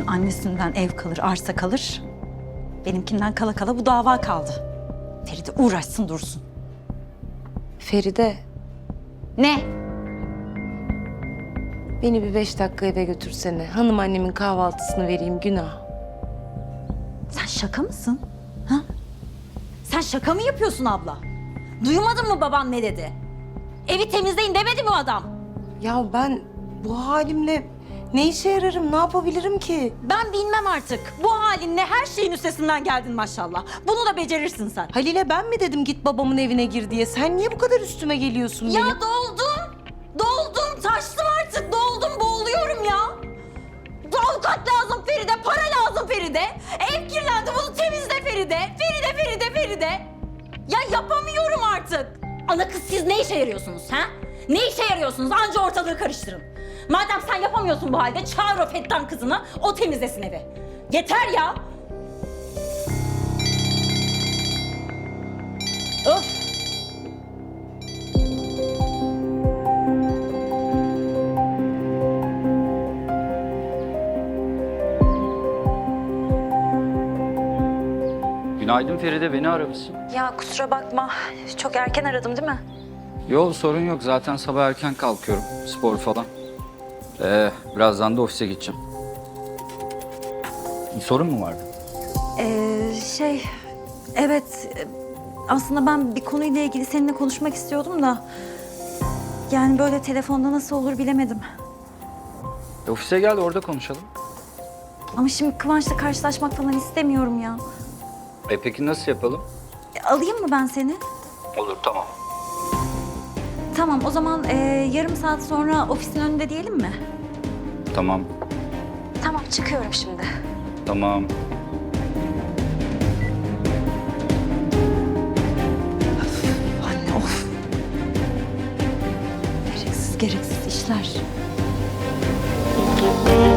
Feride'nin annesinden ev kalır, arsa kalır. Benimkinden kala kala bu dava kaldı. Feride uğraşsın dursun. Feride, Ne? beni bir 5 dakika eve götürsene. Hanım annemin kahvaltısını vereyim, günah. Sen şaka mısın? Ha? Sen şaka mı yapıyorsun abla? Duymadın mı baban ne dedi? Evi temizleyin demedi mi o adam? Ya ben bu halimle ne işe yararım, ne yapabilirim ki? Ben bilmem artık. Bu halinle her şeyin üstesinden geldin maşallah. Bunu da becerirsin sen. Halil'e ben mi dedim git babamın evine gir diye? Sen niye bu kadar üstüme geliyorsun benim? Ya doldum. Doldum. Taştım artık. Doldum. Boğuluyorum ya. Avukat lazım Feride. Para lazım Feride. Ev kirlendi. Bunu temizle Feride. Feride. Ya yapamıyorum artık. Ana kız siz ne işe yarıyorsunuz ha? Ne işe yarıyorsunuz? Anca ortalığı karıştırın. Madem sen yapamıyorsun bu halde çağır o Fettan kızını. O temizlesin evi. Yeter ya. Öf. Günaydın Feride, beni aramışsın. Ya kusura bakma. Çok erken aradım değil mi? Yo, sorun yok. Zaten sabah erken kalkıyorum. Spor falan. Birazdan da ofise gideceğim. Bir sorun mu vardı? Evet. Aslında ben bir konuyla ilgili seninle konuşmak istiyordum da... Yani böyle telefonda nasıl olur bilemedim. Ofise gel, orada konuşalım. Ama şimdi Kıvanç'la karşılaşmak falan istemiyorum ya. Peki nasıl yapalım? Alayım mı ben seni? Olur, tamam. Tamam, o zaman yarım saat sonra ofisin önünde diyelim mi? Tamam, Tamam, çıkıyorum şimdi. tamam. Anne of. Gereksiz işler.